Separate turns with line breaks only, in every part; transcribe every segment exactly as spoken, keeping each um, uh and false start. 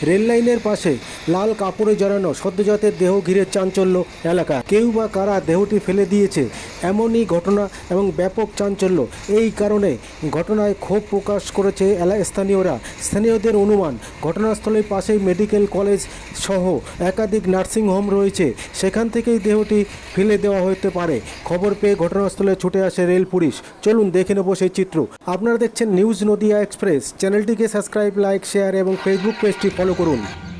Rail লাইনের পাশে লাল কাপড়ে জড়ানো সদ্যজাতের দেহ ঘিরে চাঞ্চল্য এলাকা। কেউ বা কারা দেহটি ফেলে দিয়েছে এমনই ঘটনা এবং ব্যাপক চাঞ্চল্য। এই কারণে ঘটনায় ক্ষোভ প্রকাশ করেছে স্থানীয়রা। স্থানীয়দের অনুমান, ঘটনাস্থলের পাশেই মেডিকেল কলেজ সহ একাধিক নার্সিংহোম রয়েছে, সেখান থেকেই দেহটি ফেলে দেওয়া হতে পারে। খবর পেয়ে ঘটনাস্থলে ছুটে আসে রেল পুলিশ। চলুন দেখে নেব সেই চিত্র। আপনারা দেখছেন নিউজ নদিয়া এক্সপ্রেস। চ্যানেলটিকে সাবস্ক্রাইব, লাইক, শেয়ার এবং ফেসবুক পেজটি ফলো করুন।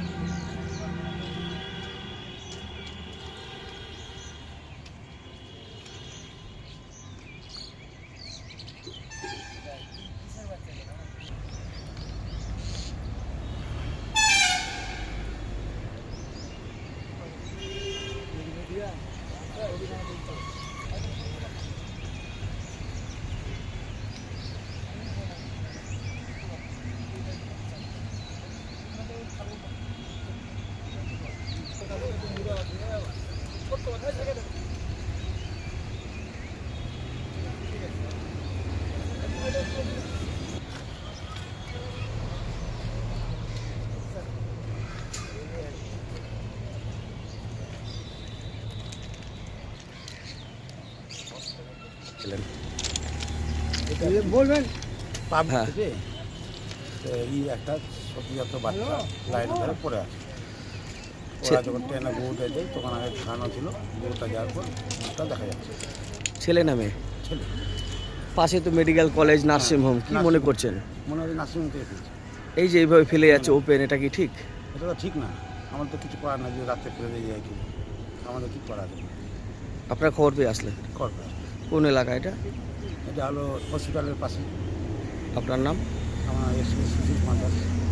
বলবেন
পাপ
হ্যাঁ।
থেকে তো এই একটা সদ্যজাত বাচ্চা লাইনের ধারে পড়ে আছে। ওরা যখন ট্রেনে গরুটা যায় তখন আগে খাওয়ানো ছিল, গরুটা যাওয়ার পর ওটা দেখা যাচ্ছে
ছেলে নামে
ছেলে।
পাশে তো মেডিকেল কলেজ, নার্সিংহোম, কি মনে করছেন?
মনে হয় নার্সিংহোম থেকে ফেলছে।
এই যে এইভাবে ফেলে যাচ্ছে ওপেন, এটা কি ঠিক?
এটা তো ঠিক না, আমাদের তো কিছু করার না, যে রাত্রে ফেলে দিয়ে যায় কি আমাদের কী করা যাবে?
আপনার খবর পেয়ে আসলেন?
করবে
কোন এলাকা এটা?
এটা হলো হসপিটালের পাশে।
আপনার নাম?
আমার এসে সুশীল মাদার।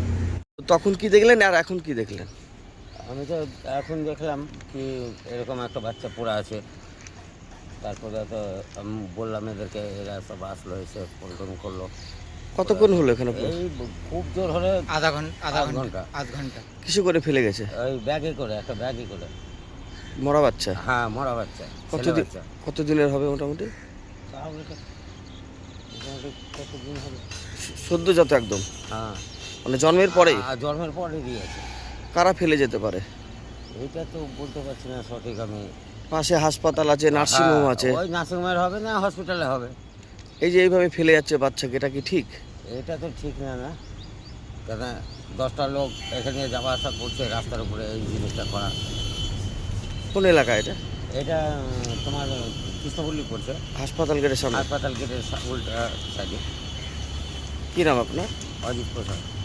তখন কি দেখলেন আর এখন কি দেখলেন?
আমি তো এখন দেখলাম কি এরকম একটা বাচ্চা পড়ে আছে। তারপরে তো আমি বললাম এদেরকে, এরা সব আসলো, এসে ফোন টোন করলো।
কতক্ষণ হলো এখানে?
এই খুব জোর হলে
আধা ঘন্টা আধা
আধ ঘন্টা
আধ ঘন্টা
কিছু করে ফেলে গেছে?
ওই ব্যাগে করে, একটা ব্যাগে করে।
মরা বাচ্চা?
হ্যাঁ, মরা বাচ্চা, ছেলে
কতদিন
বাচ্চা।
কতদিনের হবে মোটামুটি?
তাও এটা মোটামুটি কতদিন হবে?
সদ্যজাত একদম,
হ্যাঁ,
মানে জন্মের পরেই?
আ, জন্মের পরে দিয়েছে।
কারা ফেলে যেতে পারে?
এইটা তো বলতে পারছি না সঠিক আমি।
পাশে হাসপাতাল আছে, নার্সিংহোম
হ্যাঁ,
আছে।
ওই নার্সিংহোমের হবে না হসপিটালে হবে।
এই যে এইভাবে ফেলে যাচ্ছে বাচ্চাকে, এটা কি ঠিক?
এটা তো ঠিক না না, কেন দশটা লোক এখানে যাওয়া আসা করছে রাস্তার উপরে, এই জিনিসটা করা।
কোন এলাকা এটা?
এটা উম, তোমার কৃষ্ণপল্লী পড়ছে,
হাসপাতাল গেটের সামনে।
হাসপাতাল গেটের সা- উল্টা সাইডে।
কি নাম আপনার?
অজিত প্রসাদ।